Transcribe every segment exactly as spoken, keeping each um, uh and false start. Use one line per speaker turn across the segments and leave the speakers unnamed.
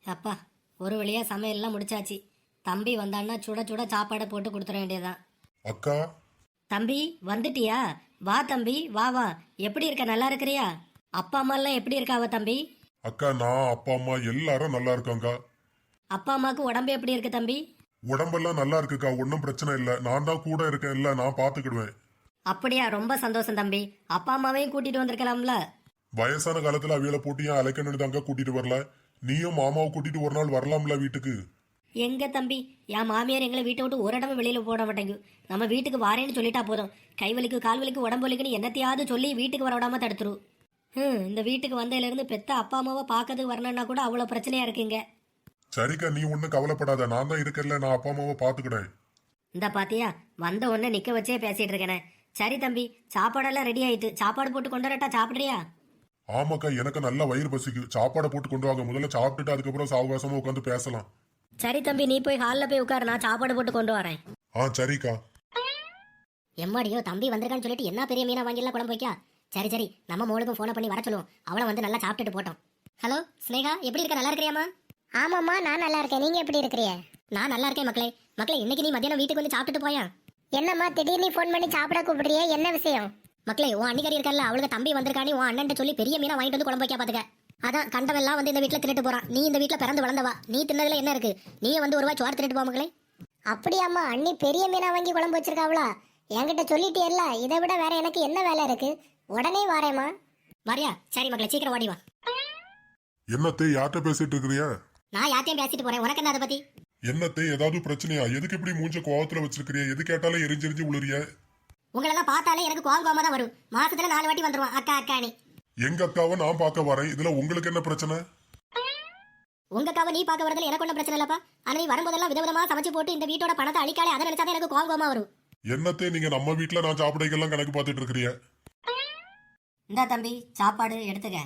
அப்பா, ஒரு வழியா சமையல்லாம் முடிச்சாச்சு. தம்பி வந்தான்னா சுட சுட சாப்பாடை போட்டு கொடுத்துட வேண்டியதுதான்.
அக்கா,
தம்பி வந்துட்டியா? வா தம்பி, வா வா. எப்படி இருக்க? நல்லா இருக்கிறியா? அப்பா அம்மா எல்லாம் எப்படி இருக்காவ தம்பி?
அக்கா நான் அப்பா அம்மா எல்லாரும் நல்லா இருக்காங்க.
அப்பா அம்மாவுக்கு உடம்பு எப்படி இருக்கு தம்பி?
உடம்பெல்லாம் நல்லா இருக்குக்கா, ஒன்றும் பிரச்சனை இல்லை. நான் தான் கூட இருக்கேன், இல்ல நான் பாத்துக்கிடுவேன்.
அப்படியா? ரொம்ப சந்தோஷம் தம்பி. அப்பா அம்மாவையும் கூட்டிட்டு வந்திருக்கலாம்ல.
வயசான காலத்துல அவியலை போட்டு ஏன் அழைக்கணும்னு தாங்க கூட்டிட்டு வரல. நீயும் மாமாவை கூட்டிட்டு ஒரு நாள் வரலாம்ல வீட்டுக்கு.
எங்க தம்பி, என் மாமியார் எங்களை வீட்டை விட்டு ஒரு இடமும் வெளியில போட மாட்டேங்கு. நம்ம வீட்டுக்கு வாரேன்னு சொல்லிட்டா போதும். கை வலிக்கு கால் வலிக்கு உடம்பு வலிக்குன்னு என்னத்தையாவது சொல்லி வீட்டுக்கு வர விடாம தடுத்துரு. ஹம் இந்த வீட்டுக்கு வந்ததுல இருந்து பெத்த அப்பா அம்மாவை பார்க்கறதுக்கு வரணும்னா கூட அவ்வளவு பிரச்சனையா இருக்குங்க.
சரிக்கா, நீ ஒன்னும் கவலைப்படாத, நான் தான் இருக்கல, நான் அப்பா அம்மாவை பாத்துக்கிட்டேன்.
இந்த பாத்தியா, வந்த உடனே நிக்க வச்சே பேசிட்டு இருக்கேனே. சரி தம்பி, சாப்பாடெல்லாம் ரெடி ஆயிட்டு. சாப்பாடு போட்டு கொண்டு வரட்டா? சாப்பிடுறியா?
ஆமாக்கா, எனக்கு நல்ல வயிறு பசிக்கு. சாப்பாடை போட்டு கொண்டு வாங்க. முதல்ல சாப்பிட்டுட்டு அதுக்கப்புறம் சாவகாசமா உட்காந்து பேசலாம்.
சரி தம்பி, நீ போய் ஹாலில் போய் உட்காரு, நான் சாப்பாடு போட்டு கொண்டு வரேன்.
ஆ சரிக்கா.
எம்மாடியோ, தம்பி வந்திருக்கான்னு சொல்லிட்டு என்ன பெரிய மீனா வாங்கிலாம் குழம்பு வைக்கா. சரி சரி, நம்ம மோளுக்கும் ஃபோனை பண்ணி வர சொல்லுவோம். அவளை வந்து நல்லா சாப்பிட்டுட்டு போட்டோம். ஹலோ ஸ்னேகா, எப்படி இருக்க? நல்லா இருக்கிறியாமா?
ஆமாம்மா, நான் நல்லா இருக்கேன். நீங்க எப்படி இருக்கிறீங்க?
நான் நல்லா இருக்கேன் மக்களே. மக்களே, இன்னைக்கு நீ மத்தியானம் வீட்டுக்கு வந்து சாப்பிட்டுட்டு போயா?
என்னம்மா திடீர்னு ஃபோன் பண்ணி சாப்பிட கூப்பிடுறிய? என்ன விஷயம்?
மக்களே, உன் அன்னிக்கறி இருக்கல, அவளுக்கு தம்பி வந்திருக்கானே, உன் அண்ணன் சொல்லி பெரிய மீனா வாங்கிட்டு வந்து குழம்பு வைக்க பாத்துக்க. அதான் கண்டவெல்லாம் வந்து இந்த வீட்டுல தின்னுட்டு போறான். நீ இந்த வீட்டுல பிறந்து வளர்ந்தவா, நீ தின்னதுல என்ன இருக்கு? நீயே வந்து ஒரு ரூபாய் சோறு தின்னுட்டு போ மக்களே.
அப்படியாம்மா, அண்ணி பெரிய மீனா வாங்கி குழம்பு வச்சிருக்காவளா? என்கிட்ட சொல்லிட்டேல்ல, இதை விட வேற எனக்கு என்ன வேலை இருக்கு? உடனே வாரேம்மா.
வரியா? சரி மக்களே, சீக்கிரம் ஓடி வா.
என்னத்தே யார்கிட்ட பேசிட்டு இருக்கிறிய?
நான் யார்ட்டையும் பேசிட்டு போறேன், உனக்கு என்ன அதை பத்தி?
என்னத்தே ஏதாவது பிரச்சனையா? எதுக்கு இப்படி மூஞ்ச கோவத்துல வச்சிருக்கிறிய? எது கேட்டாலும் எரிஞ்செரிஞ்சு உளுறிய.
உங்களெல்லாம் பார்த்தாலே எனக்கு கோவம் கோவமா தான் வரும். மாசத்துல நாலு வாட்டி வந்துருவான் அக்கா அக்கானி.
எங்க அக்காவை நான் பார்க்க வரேன், இதுல உங்களுக்கு என்ன பிரச்சனை?
உங்க அக்காவை நீ பார்க்க வரதுல எனக்கு ஒன்றும் பிரச்சனை இல்லப்பா. ஆனா நீ வரும்போதெல்லாம் விதவிதமா சமைச்சு போட்டு இந்த வீட்டோட பணத்தை அழிக்காலே, அதை நினைச்சாதான் எனக்கு கோவம் கோவமா வரும்.
என்னத்தே நீங்க நம்ம வீட்டுல நான் சாப்பிடைக்கெல்லாம் கணக்கு பார்த்துட்டு இருக்கிறிய?
இந்தா தம்பி, சாப்பாடு எடுத்துக்க.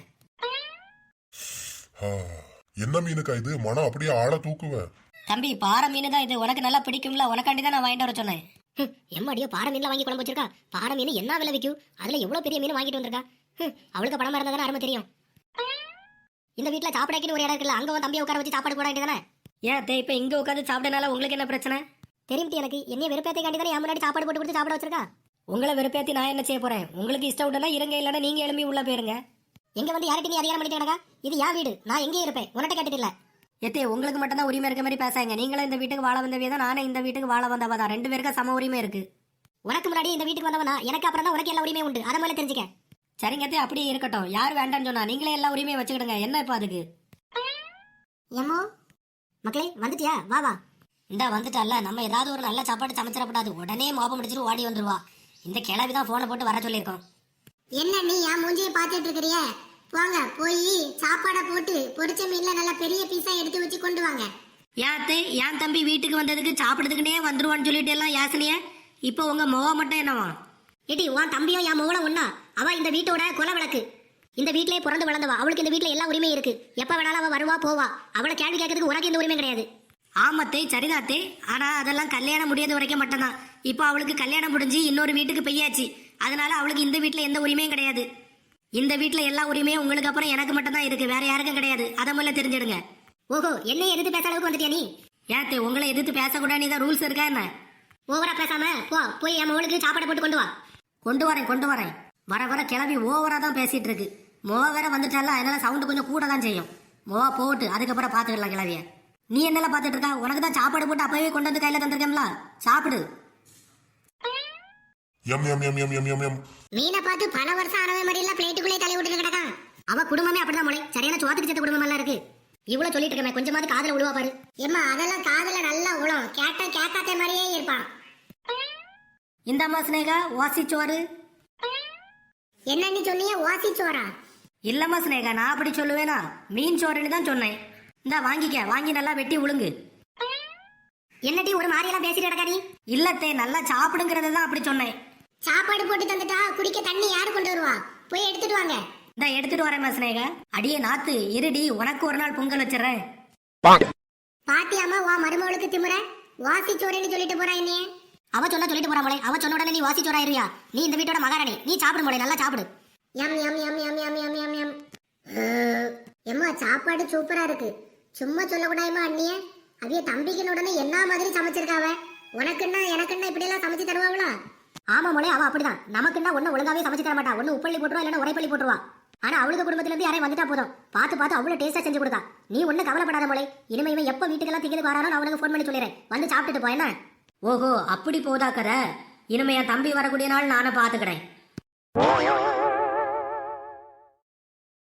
என்ன மீனுக்கா இது? மனம் அப்படியே ஆள தூக்குவேன்.
தம்பி, பாறை மீன் தான் இது. உனக்கு நல்லா பிடிக்கும்ல, உனக்காண்டி தான் நான் வாங்கிட்டு வர சொன்னேன். எம்மாடியோ, பாறை மீன்ல வாங்கி குழம்பு வச்சிருக்கா. பாறை மீன் என்ன விலை விற்கும்? அதுல எவ்வளவு பெரிய மீன் வாங்கிட்டு வந்திருக்கா. அவளுக்கு பணமா இருந்தா தானே அருமை தெரியும். இந்த வீட்டுல சாப்பிடாக்கின்னு ஒரு இடம் இருக்குல்ல, அங்க உன் தம்பியை உட்கார வச்சு சாப்பாடு போட வேண்டியதானே. ஏன் தே, இப்ப இங்க உட்காந்து சாப்பிடனால உங்களுக்கு என்ன பிரச்சனை? தெரியும் எனக்கு. என்னைய வெறுப்பேத்தி தானே என் முன்னாடி சாப்பாடு போட்டு கொடுத்து சாப்பிட வச்சிருக்கா. உங்களை வெறுப்பேத்தி நான் என்ன செய்ய போறேன்? உங்களுக்கு இஷ்டம் உடனே இருங்க, இல்லைன்னா நீங்க எழுப்பி உள்ள போயிருங்க. எங்க வந்து யார்கிட்ட நீ அதிகாரம் பண்ணிட்டு கிடக்கா? இது என் வீடு, நான் எங்கேயும் இருப்பேன். உன்கிட்ட கேட்டுட்டு இல்ல. எத்தே, உங்களுக்கு மட்டும் தான் உரிமை இருக்க மாதிரி பேசாங்க. நீங்களும் இந்த வீட்டுக்கு வாழ வந்தவே தான், நானே இந்த வீட்டுக்கு வாழ வந்தவா தான். ரெண்டு பேருக்கு சம உரிமை இருக்கு. உனக்கு முன்னாடி இந்த வீட்டுக்கு வந்தவனா, எனக்கு அப்புறம் தான் உனக்கு எல்லா உரிமை உண்டு. அதை மேலே தெரிஞ்சுக்க. சரிங்கத்தே, அப்படியே இருக்கட்டும். யார் வேண்டான்னு சொன்னா? நீங்களே எல்லா உரிமையை வச்சுக்கிடுங்க. என்ன இப்ப அதுக்கு?
ஏமோ
மக்களே, வந்துட்டியா? வா வா. இந்தா வந்துட்டால. நம்ம ஏதாவது ஒரு நல்ல சாப்பாடு சமைச்சிடப்படாது. உடனே மோப்பம் முடிச்சிட்டு ஓடி வந்துருவா. இந்த கிளவி தான் போனை போட்டு வர சொல்லியிருக்கோம்.
என்ன நீ என் மூஞ்சியை பார்த்துட்டு இருக்கிறிய? போங்க, போய் சாப்பாடை போட்டு பொரிச்ச மீன்ல நல்ல பெரிய பீஸா எடுத்து வச்சு கொண்டு வாங்க.
யாத்தே, என் தம்பி வீட்டுக்கு வந்ததுக்கு சாப்பிடுறதுக்குனே வந்துருவான்னு சொல்லிட்டு எல்லாம் யாசனைய. இப்போ உங்க முக மட்டும் என்னவா? ஏடி, உன் தம்பியும் என் முகல ஒண்ணா? அவ இந்த வீட்டோட கொலை விளக்கு. இந்த வீட்டிலே பிறந்து வளர்ந்தவா. அவளுக்கு இந்த வீட்டுல எல்லா உரிமையும் இருக்கு. எப்ப வேணாலும் அவ வருவா போவா. அவளை கேள்வி கேட்கறதுக்கு உனக்கு எந்த உரிமை கிடையாது. ஆமத்தே, சரிதாத்தே. ஆனா அதெல்லாம் கல்யாணம் முடியாத வரைக்கும் மட்டும்தான். இப்போ அவளுக்கு கல்யாணம் முடிஞ்சு இன்னொரு வீட்டுக்கு பெய்யாச்சு. அதனால அவளுக்கு இந்த வீட்டுல எந்த உரிமையும் கிடையாது. இந்த வீட்டுல எல்லா உரிமையும் உங்களுக்கு அப்புறம் எனக்கு மட்டும் தான் இருக்கு, வேற யாருக்கும் கிடையாது. அதை முதல்ல தெரிஞ்சிடுங்க. ஓஹோ, என்ன எதிர்த்து பேச அளவுக்கு வந்துட்டியா நீ? ஏத்தே, உங்களை எதிர்த்து பேசக்கூடாது தான் ரூல்ஸ் இருக்கா என்ன? ஓவரா பேசாம போ, போய் என் மகளுக்கு சாப்பாடு போட்டு கொண்டு வா. கொண்டு வரேன் கொண்டு வரேன். வர வர கிளம்பி ஓவரா தான் பேசிட்டு இருக்கு. மோ வேற வந்துட்டால, அதனால சவுண்டு கொஞ்சம் கூட தான் செய்யும். மோ போட்டு அதுக்கப்புறம் பாத்துக்கலாம் கிளவிய. நீ என்னெல்லாம் பாத்துட்டு இருக்கா? உனக்கு தான் சாப்பாடு போட்டு அப்பவே கொண்டு வந்து கையில தந்திருக்கேன்ல, சாப்பிடு.
எம் எம் எம் எம் எம் எம் எம்.
மீனை பார்த்து பல வருஷம் ஆனவே மாதிரி எல்லாம் பிளேட்டுக்குள்ளே தலை விட்டு கிடக்கா.
அவ குடும்பமே அப்படிதான் மொழி. சரியான சோத்துக்கு சேர்த்த குடும்பம் எல்லாம் இருக்கு. இவ்வளவு சொல்லிட்டு இருக்கமே, கொஞ்சமாவது காதல விழுவா பாரு.
ஏம்மா, அதெல்லாம் காதுல நல்லா உழும். கேட்டா கேட்காத மாதிரியே இருப்பான்.
இந்த அம்மா ஸ்னேகா, வாசிச்சோறு.
என்ன நீ சொன்னீங்க? ஓசி சோறா?
இல்லம்மா ஸ்னேகா, நான் அப்படி சொல்லுவேனா? மீன் சோறுன்னு தான் சொன்னேன். இந்தா வாங்கிக்க, வாங்கி நல்லா வெட்டி உளுங்கு.
என்னடி ஒரு மாதிரியெல்லாம் பேசிட்டு கிடக்கா நீ?
இல்லத்தே, நல்லா சாப்பிடுங்கிறத தான் அப்படி சொன்னேன்.
சாப்பாடு போட்டு தந்துட்டா குடிக்க தண்ணி யாரு கொண்டு வருவா? போய் எடுத்துட்டு வாங்க.
இந்த எடுத்துட்டு வரேன் ஸ்னேகா. அடியே நாத்து, இருடி, உனக்கு ஒரு நாள் பொங்கல் வச்சிடறேன்.
பாத்தியாமா வா மருமகளுக்கு திமுற? வாசி சோறுன்னு சொல்லிட்டு போறா என்னைய.
அவ சொல்ல சொல்லிட்டு போறா மொழி. அவ சொன்ன உடனே நீ வாசி சோறாயிருவியா? நீ இந்த வீட்டோட மகாராணி. நீ சாப்பிடு மொழி, நல்லா சாப்பிடு.
எம் எம் எம் எம் எம் எம் எம் எம். எம்மா, சாப்பாடு சூப்பரா இருக்கு. சும்மா சொல்லக்கூடாதுமா அண்ணியே. அவிய தம்பிக்கு உடனே என்ன மாதிரி சமைச்சிருக்காவ. உனக்குன்னா எனக்குன்னா இப்படி எல்லாம் சமைச்சு தருவாங்களா?
ஆமா மோளே, அவ அப்படிதான். நமக்குன்னா ஒண்ணு ஒழுங்காவே சமைச்சு தர மாட்டா. ஒண்ணு உப்பள்ளி போட்டுருவா, இல்லைன்னா உரைப்பள்ளி போட்டுருவா. ஆனா அவளுக்கு குடும்பத்துல இருந்து யாரையும் வந்துட்டா போதும், பார்த்து பார்த்து அவ்வளவு டேஸ்டா செஞ்சு கொடுத்தா. நீ ஒண்ணு கவலைப்படாத மோளே. இனிமே இவன் எப்ப வீட்டுக்கெல்லாம் திங்கிறதுக்கு வரானோ நான் அவனுக்கு ஃபோன் பண்ணி சொல்லிடுறேன், வந்து சாப்பிட்டுட்டு போ என்ன. ஓஹோ, அப்படி போதா கதை. இனிமே என் தம்பி வரக்கூடிய நாள் நானே பாத்துக்கிறேன்.